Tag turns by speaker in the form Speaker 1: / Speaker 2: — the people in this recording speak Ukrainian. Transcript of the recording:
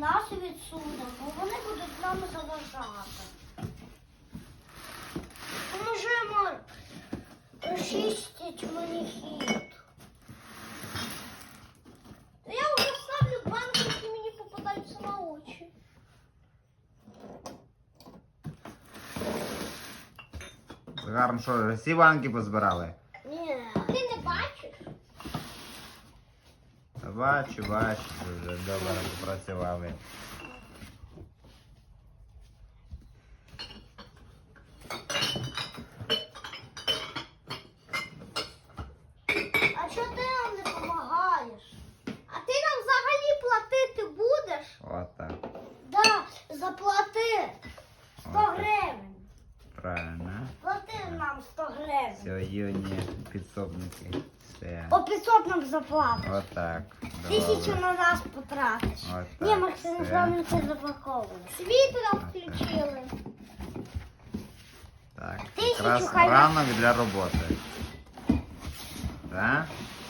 Speaker 1: нас відсунемо, бо вони будуть нам заважати. Поможемо розчистити мені хід. Я вже ставлю банки, які мені попадаються на очі.
Speaker 2: Гарно, що, всі банки позбирали?
Speaker 1: Ні. Ти не бачиш?
Speaker 2: Бачу, вже добре попрацювали.
Speaker 1: А чого ти нам не допомагаєш? А ти нам взагалі платити будеш?
Speaker 2: Отак.
Speaker 1: Да, заплати 100 гривень.
Speaker 2: Правильно.
Speaker 1: Плати нам 100 гривень.
Speaker 2: Все, юні підсобники. Все.
Speaker 1: По 500 нам заплатиш.
Speaker 2: Отак.
Speaker 1: 1000
Speaker 2: Добре.
Speaker 1: на нас потратиш.
Speaker 2: Отак,
Speaker 1: Ні, Максим,
Speaker 2: все.
Speaker 1: з вами це запаковує. Світло включили.
Speaker 2: Так.
Speaker 1: 1000
Speaker 2: Якраз
Speaker 1: хай.
Speaker 2: рано для роботи. Так?